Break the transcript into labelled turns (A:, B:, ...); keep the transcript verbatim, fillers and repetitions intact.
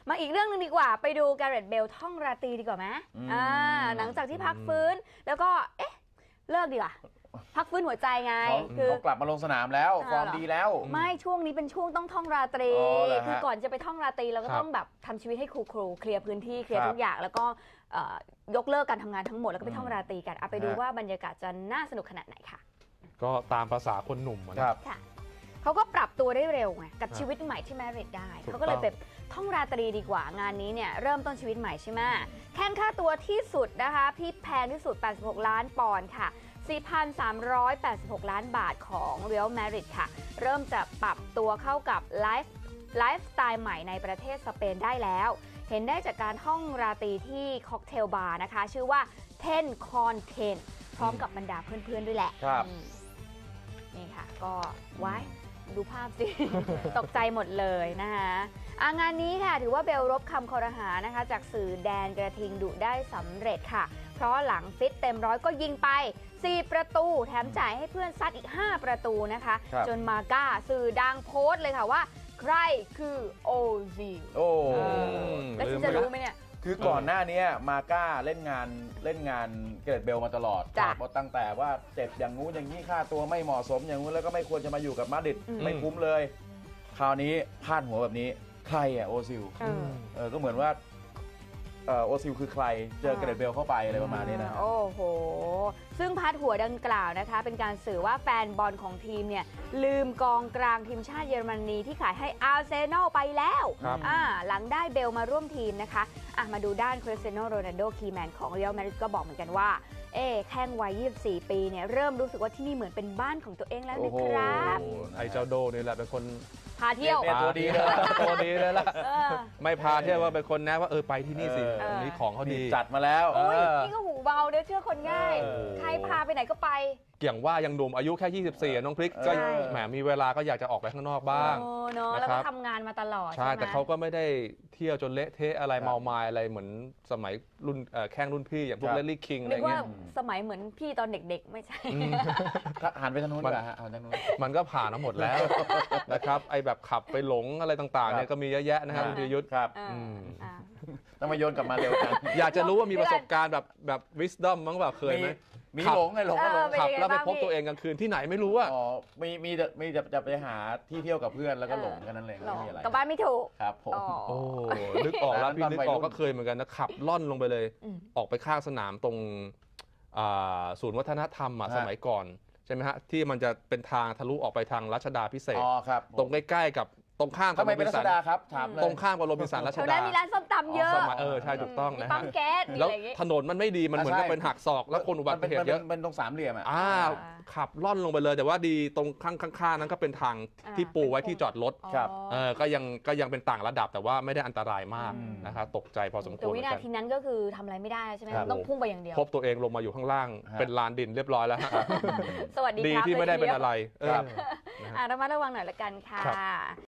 A: มาอีกเรื่องนึงดีกว่าไปดูแกเรตเบลท่องราตรีดีกว่าไหมอ่าหลังจากที่พักฟื้นแล้วก็เอ๊ะเลิกดีกว่าพักฟื้นหัวใจไง
B: คือเขากลับมาลงสนามแล้วฟอร์มดีแล้ว
A: ไม่ช่วงนี้เป็นช่วงต้องท่องราตรีคือก่อนจะไปท่องราตรีเราก็ต้องแบบทำชีวิตให้ครูครูเคลียร์พื้นที่เคลียร์ทุกอย่างแล้วก็ยกเลิกการทำงานทั้งหมดแล้วก็ไปท่องราตรีกันเอาไปดูว่าบรรยากาศจะน่าสนุกขนาดไหนค่ะ
C: ก็ตามภาษาคนหนุ่มนะครับ
A: เขาก็ปรับตัวได้เร็วไงกับชีวิตใหม่ที่แมริดได้เขาก็เลยไปท่องราตรีดีกว่างานนี้เนี่ยเริ่มต้นชีวิตใหม่ใช่ไหมแข่งค่าตัวที่สุดนะคะพี่แพงที่สุดแปดสิบหกล้านปอนด์ค่ะ สี่พันสามร้อยแปดสิบหก ล้านบาทของเรียลมาดริดค่ะเริ่มจะปรับตัวเข้ากับไลฟ์ไลฟ์สไตล์ใหม่ในประเทศสเปนได้แล้วเห็นได้จากการท่องราตรีที่ค็อกเทลบาร์นะคะชื่อว่าเทนคอนเทนพร้อมกับบรรดาเพื่อนๆด้วยแหละนี่ค่ะก็ไว้ดูภาพสิ ตกใจหมดเลยนะคะงานนี้ค่ะถือว่าเบลรบคำคอรหานะคะจากสื่อแดนกระทิงดุได้สำเร็จค่ะเพราะหลังฟิตเต็มร้อยก็ยิงไปสี่ประตูแถมจ่ายให้เพื่อนซัดอีกห้าประตูนะคะจนมาก้าสื่อดังโพสต์เลยค่ะว่าใครคือโอซิล
B: โอ้
A: แล้วฉันจะรู้ไหมเนี่ย
B: คือก่อนหน้านี้มาก้าเล่นงานเล่นงานเกรดเบลมาตลอดเพราะตั้งแต่ว่าเจ็บอย่างงู้นอย่างนี้ค่าตัวไม่เหมาะสมอย่างงู้นแล้วก็ไม่ควรจะมาอยู่กับมาดริดไม่คุ้มเลยคราวนี้พลาดหัวแบบนี้ใครอ่ะโอซิลเออก็เหมือนว่าโอซิลคือใครเจอเกรดเบลเข้าไปอะไรประมาณนี้นะ
A: โอ้โหซึ่งพาดหัวดังกล่าวนะคะเป็นการสื่อว่าแฟนบอลของทีมเนี่ยลืมกองกลางทีมชาติเยอรมนีที่ขายให้อาร์เซนอลไปแล้วหลังได้เบลมาร่วมทีมนะคะมาดูด้านคริสเตียโนโรนัลโดคีย์แมนของเรอัลมาดริดก็บอกเหมือนกันว่าเอ๊แข้งวัยยี่สิบสี่ปีเนี่ยเริ่มรู้สึกว่าที่นี่เหมือนเป็นบ้านของตัวเองแล้วนะครับ
C: ไอ้เจ้าโดนี่แหละเป็นคน
A: พาเที่ยว
C: ตัวดีเลยตัวดีเลยล่ะไม่พาเที่ยวว่าเป็นคนแนะว่าเออไปที่นี่สินี่ของเขาดี
B: จัดมาแล้ว
A: นี่ก็หูเบาเด้อเชื่อคนง่ายใครพาไปไหนก็ไป
C: อย่างว่ายังหนุ่มอายุแค่ยี่สิบสี่น้องพริกก็แหมมีเวลาก็อยากจะออกไปข้างนอกบ้าง
A: เนาะแล้วก็ทำงานมาตลอด
C: ใช่แต่เขาก็ไม่ได้เที่ยวจนเละเทะอะไรเมามายอะไรเหมือนสมัยรุ่นแข้งรุ่นพี่อย่างพวกเลลลี่คิงอะไรเงี้ย
A: สมัยเหมือนพี่ตอนเด็กๆไม่ใช่
B: หันไปทางนู้นดีกว่าฮะหันทางนู้น
C: มันก็ผ่านมาหมดแล้วนะครับไอแบบขับไปหลงอะไรต่างๆเนี่ยก็มีเยอะแยะนะครับคุณธีรยุทธ์
B: ครับต้องมาโยนกลับมาเร็วกัน
C: อยากจะรู้ว่ามีประสบการณ์แบบแบบวิสดอมมั้งแบบเคยไหม
B: มีหลงไงหลงก็หลง
C: ขับแล้วไปพบตัวเองกลางคืนที่ไหนไม่รู้อ่ะ
B: อ๋อมีมีมีจะจะไปหาที่เที่ยวกับเพื่อนแล้วก็หลงกันนั่นเองไม่มีอะไร
A: กับบ้านไม่ถูก
B: ครับผม
C: โอ้นึกออกแล้วพี่นึกออกก็เคยเหมือนกันนะขับล่อนลงไปเลยออกไปข้างสนามตรงศูนย์วัฒนธรรมสมัยก่อนใช่ไหมฮะที่มันจะเป็นทางทะลุออกไปทางรัชดาพิเศษตรงใกล้ๆกับตรงข้ามกับโรบินสัน
B: ครับถามเลย
C: ตรงข้ามกับโรบินสันรัชดา
A: มีร้านส้มตำเยอะ
C: เออใช่ถูกต้องนะฮะ
A: แล้
C: วถนนมันไม่ดีมันเหมือนกับเป็นหักศอกแล้วคนอุบัติเหตุเยอะ
B: มันตรงสามเหลี่ยมอ่ะ
C: ขับล่อนลงไปเลยแต่ว่าดีตรงข้างๆนั้นก็เป็นทางที่ปูไว้ที่จอดรถเออก็ยังก็ยังเป็นต่างระดับแต่ว่าไม่ได้อันตรายมากนะครับตกใจพอสมควรแต่
A: วินาทีนั้นก็คือทำอะไรไม่ได้ใช่ไหมต้องพุ่งไปอย่างเดียว
C: พบตัวเองลงมาอยู่ข้างล่างเป็นลานดินเรียบร้อยแล้ว
A: สวัสดี
C: ดีที่ไม่ได้เป็นอะไร
A: ระมัดระวังหน่อยละกันค่ะ